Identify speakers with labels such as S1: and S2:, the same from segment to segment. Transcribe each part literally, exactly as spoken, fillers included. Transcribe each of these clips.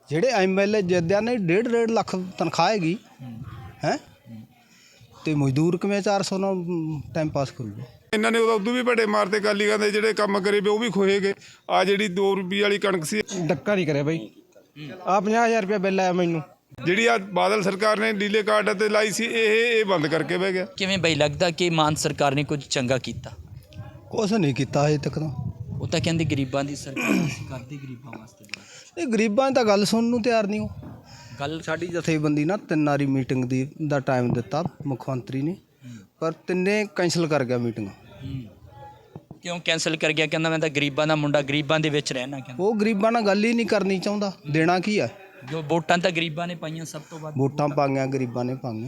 S1: ਜਿਹੜੇ M L A ਜਿੱਦਿਆਂ ਨੇ ਡੇਢ ਡੇਢ ਲੱਖ ਤਨਖਾਹ ਹੈਗੀ ਹੈ ਤੇ ਮਜ਼ਦੂਰ ਕਿਵੇਂ ਚਾਰ ਸੌ ਨਾਲ ਟਾਈਮ ਪਾਸ ਕਰੂਗਾ।
S2: ਇਹਨਾਂ ਨੇ ਉਦੋਂ ਵੀ ਵੱਡੇ ਮਾਰਤੇ ਅਕਾਲੀਆਂ ਦੇ ਜਿਹੜੇ ਕੰਮ ਕਰੇ ਵੇ ਉਹ ਵੀ ਖੋਏ ਗਏ। ਆ ਜਿਹੜੀ ਦੋ ਰੁਪਏ ਵਾਲੀ ਕਣਕ ਸੀ
S1: ਡੱਕਾ ਨਹੀਂ ਕਰਿਆ ਬਾਈ। ਆ ਪੰਜਾਹ ਹਜ਼ਾਰ ਰੁਪਇਆ ਬਿੱਲ ਆਇਆ ਮੈਨੂੰ।
S2: ਜਿਹੜੀ ਆ ਬਾਦਲ ਸਰਕਾਰ ਨੇ ਡੀਲੇ ਕਾਰਡ ਤੇ ਲਾਈ ਸੀ ਇਹ ਇਹ ਬੰਦ ਕਰਕੇ ਬਹਿ ਗਿਆ।
S3: ਕਿਵੇਂ ਬਈ ਲੱਗਦਾ ਕਿ ਮਾਨ ਸਰਕਾਰ ਨੇ ਕੁਝ ਚੰਗਾ ਕੀਤਾ?
S1: ਕੁਛ ਨਹੀਂ ਕੀਤਾ ਹਜੇ ਤੱਕ ਤਾਂ।
S3: ਉਹ ਤਾਂ ਕਹਿੰਦੇ ਗਰੀਬਾਂ ਦੀ ਸਰਕਾਰ ਅਸੀਂ ਕਰਦੇ ਗਰੀਬਾਂ ਵਾਸਤੇ।
S1: ਇਹ ਗਰੀਬਾਂ ਦੀ ਤਾਂ ਗੱਲ ਸੁਣਨ ਨੂੰ ਤਿਆਰ ਨਹੀਂ। ਉਹ
S3: ਗੱਲ
S1: ਸਾਡੀ ਜਥੇਬੰਦੀ ਨਾ ਤਿੰਨ ਵਾਰੀ ਮੀਟਿੰਗ ਦੀ ਦਾ ਟਾਈਮ ਦਿੱਤਾ ਮੁੱਖ ਮੰਤਰੀ ਨੇ, ਪਰ ਤਿੰਨੇ ਕੈਂਸਲ ਕਰ ਗਿਆ ਮੀਟਿੰਗ।
S3: ਕਿਉਂ ਕੈਂਸਲ ਕਰ ਗਿਆ? ਕਹਿੰਦਾ ਮੈਂ ਤਾਂ ਗਰੀਬਾਂ ਦਾ ਮੁੰਡਾ, ਗਰੀਬਾਂ ਦੇ ਵਿੱਚ ਰਹਿਣਾ। ਕਹਿੰਦਾ
S1: ਉਹ ਗਰੀਬਾਂ ਨਾਲ ਗੱਲ ਹੀ ਨਹੀਂ ਕਰਨੀ ਚਾਹੁੰਦਾ। ਦੇਣਾ ਕੀ ਆ?
S3: ਜੋ ਵੋਟਾਂ ਤਾਂ ਗਰੀਬਾਂ ਨੇ ਪਾਈਆਂ, ਸਭ ਤੋਂ ਵੱਧ
S1: ਵੋਟਾਂ ਪਾਈਆਂ ਗਰੀਬਾਂ ਨੇ ਪਾਈਆਂ,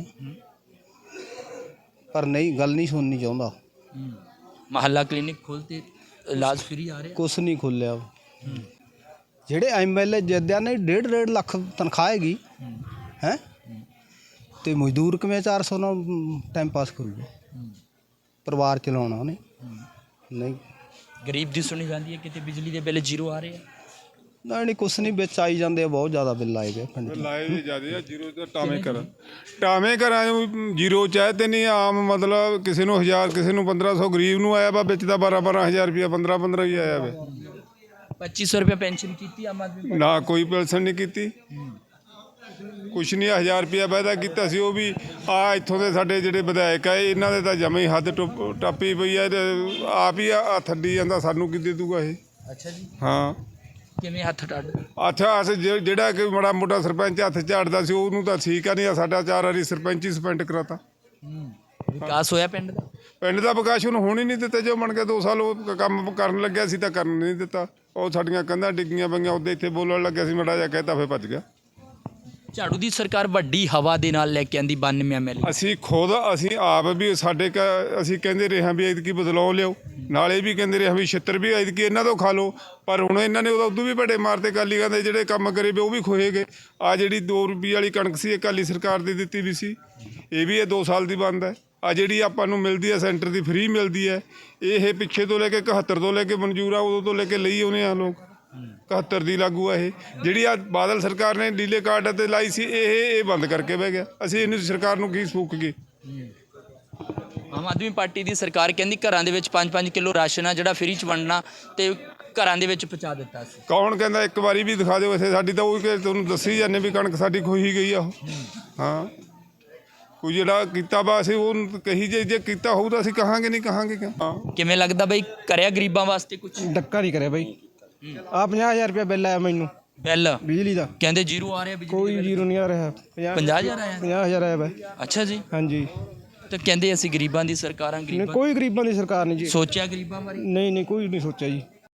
S1: ਪਰ ਨਹੀਂ ਗੱਲ ਨਹੀਂ ਸੁਣਨੀ ਚਾਹੁੰਦਾ।
S3: ਮਹੱਲਾ ਕਲੀਨਿਕ ਖੋਲ੍ਹਤੇ ਇਲਾਜ ਫ੍ਰੀ ਆ ਰਿਹਾ।
S1: ਕੁਛ ਨਹੀਂ ਖੁੱਲਿਆ। ਜਿਹੜੇ ਐਮ ਐਲ ਏ ਜਿੱਦਿਆਂ ਨੇ ਡੇਢ ਡੇਢ ਲੱਖ ਤਨਖਾਹ ਹੈਗੀ ਹੈ ਤੇ ਮਜ਼ਦੂਰ ਕਿਵੇਂ ਚਾਰ ਸੌ ਨਾਲ ਟਾਈਮ ਪਾਸ ਕਰੂਗਾ। ਪਰਿਵਾਰ ਚਲਾਉਣਾ ਉਹਨੇ। ਨਹੀਂ
S3: ਗਰੀਬ ਦੀ ਸੁਣੀ ਜਾਂਦੀ ਹੈ ਕਿਤੇ ਬਿਜਲੀ ਦੇ ਬਿੱਲ ਜ਼ੀਰੋ ਆ ਰਹੇ ਆ।
S1: ਨਹੀਂ ਨਹੀਂ ਕੁਛ ਨਹੀਂ, ਵਿੱਚ ਆਈ ਜਾਂਦੇ ਆ, ਬਹੁਤ ਜ਼ਿਆਦਾ ਬਿੱਲ ਆਏ ਗਏ ਪਿੰਡ 'ਚ।
S2: ਲਾਏ ਵੀ ਜ਼ਿਆਦੇ ਆ। ਜ਼ੀਰੋ ਤੇ ਟਾਵੇਂ ਕਰਾਂ ਟਾਵੇਂ ਘਰਾਂ ਜ਼ੀਰੋ ਚਾਹੇ ਤੇ ਨਹੀਂ ਆਮ, ਮਤਲਬ ਕਿਸੇ ਨੂੰ ਹਜ਼ਾਰ ਕਿਸੇ ਨੂੰ ਪੰਦਰਾਂ ਸੌ ਗਰੀਬ ਨੂੰ ਆਇਆ ਵਾ, ਵਿੱਚ ਤਾਂ ਬਾਰਾਂ ਬਾਰਾਂ ਹਜ਼ਾਰ ਰੁਪਇਆ ਪੰਦਰਾਂ ਪੰਦਰਾਂ ਹੀ ਆਇਆ ਵਾ।
S3: ਪੱਚੀ ਸੌ ਰੁਪਏ ਪੈਨਸ਼ਨ ਕੀਤੀ ਆਮ ਆਦਮੀ
S2: ਨਾ ਕੋਈ ਪੈਨਸ਼ਨ ਨਹੀਂ ਕੀਤੀ, ਕੁਛ ਨਹੀਂ। ਹਜ਼ਾਰ ਰੁਪਇਆ ਵਾਅਦਾ ਕੀਤਾ ਸੀ ਉਹ ਵੀ ਆ ਇੱਥੋਂ ਦੇ ਸਾਡੇ ਜਿਹੜੇ ਵਿਧਾਇਕ ਆ ਇਹਨਾਂ ਦੇ ਤਾਂ ਜਮੇ ਹੀ ਹੱਦ ਟੱਪੀ ਪਈ ਆ। ਆਪ ਹੀ ਆ ਥੱਡੀ ਜਾਂਦਾ, ਸਾਨੂੰ ਕੀ ਦੇ ਦੂਗਾ ਇਹ।
S3: ਅੱਛਾ ਜੀ।
S2: ਹਾਂ
S3: ਕਿਵੇਂ ਹੱਥ ਟੱਡ?
S2: ਅੱਛਾ ਅਸ ਜਿਹੜਾ ਕਿ ਮਾੜਾ ਮੋਟਾ ਸਰਪੰਚ ਹੱਥ ਝਾੜਦਾ ਸੀ ਉਹਨੂੰ ਤਾਂ ਠੀਕ ਆ, ਨਹੀਂ ਆ ਸਾਡਾ ਚਾਰ ਵਾਰੀ ਸਰਪੰਚ ਹੀ ਸਸਪੈਂਡ ਕਰਾਤਾ।
S3: ਵਿਕਾਸ ਹੋਇਆ ਪਿੰਡ ਦਾ?
S2: ਪਿੰਡ ਦਾ ਵਿਕਾਸ ਉਹਨੂੰ ਹੋਣ ਹੀ ਨਹੀਂ ਦਿੱਤੇ। ਜੋ ਬਣ ਕੇ ਦੋ ਸਾਲ ਉਹ ਕੰਮ ਕਰਨ ਲੱਗਿਆ ਸੀ ਤਾਂ ਕਰਨ ਨਹੀਂ ਦਿੱਤਾ। ਉਹ ਸਾਡੀਆਂ ਕੰਧਾਂ ਡਿੱਗੀਆਂ ਪਈਆਂ, ਉਹਦੇ ਇੱਥੇ ਬੋਲਣ ਲੱਗਿਆ ਸੀ ਮਾੜਾ ਜਿਹਾ ਕਹਿਤਾ, ਫਿਰ ਭੱਜ ਗਿਆ।
S3: ਝਾੜੂ ਦੀ ਸਰਕਾਰ ਵੱਡੀ ਹਵਾ ਦੇ ਨਾਲ ਲੈ ਕੇ ਆਂਦੀ ਬਾਨਵੇਂ ਐਮ ਐਲ ਏ।
S2: ਅਸੀਂ ਖੁਦ ਅਸੀਂ ਆਪ ਵੀ ਸਾਡੇ ਕ ਅਸੀਂ ਕਹਿੰਦੇ ਰਹੇ ਹਾਂ ਵੀ ਐਤਕੀ ਬਦਲਾਅ ਲਿਓ, ਨਾਲੇ ਵੀ ਕਹਿੰਦੇ ਰਹੇ ਹਾਂ ਵੀ ਛਿੱਤਰ ਵੀ ਐਤਕੀ ਇਹਨਾਂ ਤੋਂ ਖਾ ਲਓ, ਪਰ ਹੁਣ ਇਹਨਾਂ ਨੇ ਉਦੋਂ ਵੀ ਵੱਡੇ ਮਾਰਤੇ ਅਕਾਲੀਆਂ ਦੇ ਜਿਹੜੇ ਕੰਮ ਕਰੇ ਵੇ ਉਹ ਵੀ ਖੋਏ ਗਏ। ਆ ਜਿਹੜੀ ਦੋ ਰੁਪਏ ਵਾਲੀ ਕਣਕ ਸੀ ਅਕਾਲੀ ਸਰਕਾਰ ਦੀ ਦਿੱਤੀ ਵੀ ਸੀ, ਇਹ ਵੀ ਇਹ ਦੋ ਸਾਲ ਦੀ ਬੰਦ ਹੈ। ਆ ਜਿਹੜੀ ਆਪਾਂ ਨੂੰ ਮਿਲਦੀ ਹੈ ਸੈਂਟਰ ਦੀ ਫ੍ਰੀ ਮਿਲਦੀ ਹੈ, ਇਹ ਪਿੱਛੇ ਤੋਂ ਲੈ ਕੇ ਇਕਹੱਤਰ ਤੋਂ ਲੈ ਕੇ ਮਨਜ਼ੂਰ ਆ, ਉਦੋਂ ਤੋਂ ਲੈ ਕੇ ਲਈ ਉਹਨੇ ਆ ਲੋਕ ਇਕਹੱਤਰ ਦੀ ਲਾਗੂ ਆ। ਇਹ ਜਿਹੜੀ ਆ ਬਾਦਲ ਸਰਕਾਰ ਨੇ ਡੀਲੇ ਕਾਰਡ ਤੇ ਲਾਈ ਸੀ ਇਹ ਇਹ ਬੰਦ ਕਰਕੇ ਬਹਿ ਗਿਆ। ਅਸੀਂ ਇਹਨੂੰ ਸਰਕਾਰ ਨੂੰ ਕੀ ਫੂਕ ਗਏ।
S3: ਆਮ ਆਦਮੀ ਪਾਰਟੀ ਦੀ ਸਰਕਾਰ ਕਹਿੰਦੀ ਘਰਾਂ ਦੇ ਵਿੱਚ ਪੰਜ ਪੰਜ ਕਿਲੋ ਰਾਸ਼ਨ ਆ ਜਿਹੜਾ ਫ੍ਰੀ 'ਚ ਵੰਡਣਾ ਤੇ ਘਰਾਂ ਦੇ ਵਿੱਚ ਪਹੁੰਚਾ ਦਿੱਤਾ ਸੀ।
S2: ਕੌਣ ਕਹਿੰਦਾ? ਇੱਕ ਵਾਰੀ ਵੀ ਦਿਖਾ ਦਿਓ ਇੱਥੇ। ਸਾਡੀ ਤਾਂ ਉਹ ਕਿ ਤੁਹਾਨੂੰ ਦੱਸੀ ਜਾਂਦੇ ਵੀ ਕਣਕ ਸਾਡੀ ਖੋਹੀ ਗਈ ਆ ਉਹ। ਹਾਂ ਕੋਈ ਜਿਹੜਾ ਕੀਤਾ ਵਾ ਅਸੀਂ ਉਹ ਕਹੀ ਜੇ ਜੇ ਕੀਤਾ ਹੋਊ ਤਾਂ ਅਸੀਂ ਕਹਾਂਗੇ, ਨਹੀਂ ਕਹਾਂਗੇ। ਹਾਂ
S3: ਕਿਵੇਂ ਲੱਗਦਾ ਬਈ ਕਰਿਆ ਗਰੀਬਾਂ ਵਾਸਤੇ ਕੁਝ?
S1: ਡੱਕਾ ਨਹੀਂ ਕਰਿਆ ਬਾਈ। ਆ ਪੰਜਾਹ ਹਜ਼ਾਰ ਰੁਪਇਆ ਬਿੱਲ ਆਇਆ ਮੈਨੂੰ
S3: ਬਿੱਲ
S1: ਬਿਜਲੀ ਦਾ।
S3: ਕਹਿੰਦੇ ਜ਼ੀਰੋ ਆ ਰਿਹਾ ਬਿਜਲੀ?
S1: ਕੋਈ ਜ਼ੀਰੋ ਨਹੀਂ ਆ ਰਿਹਾ।
S3: ਪੰਜਾਹ ਹਜ਼ਾਰ ਆਇਆ?
S1: ਪੰਜਾਹ ਹਜ਼ਾਰ ਆਇਆ ਵਾ।
S3: ਅੱਛਾ ਜੀ।
S1: ਹਾਂਜੀ।
S3: ਤੇ ਕਹਿੰਦੇ ਅਸੀਂ ਗਰੀਬਾਂ ਦੀ ਸਰਕਾਰਾਂ।
S1: ਨਹੀਂ
S3: ਗਰੀਬਾਂ
S1: ਕੋਈ ਗਰੀਬਾਂ ਦੀ ਸਰਕਾਰ ਨਹੀਂ ਜੀ।
S3: ਸੋਚਿਆ ਗਰੀਬਾਂ ਬਾਰੇ?
S1: ਨਹੀਂ ਨਹੀਂ ਕੋਈ ਨਹੀਂ ਸੋਚਿਆ ਜੀ।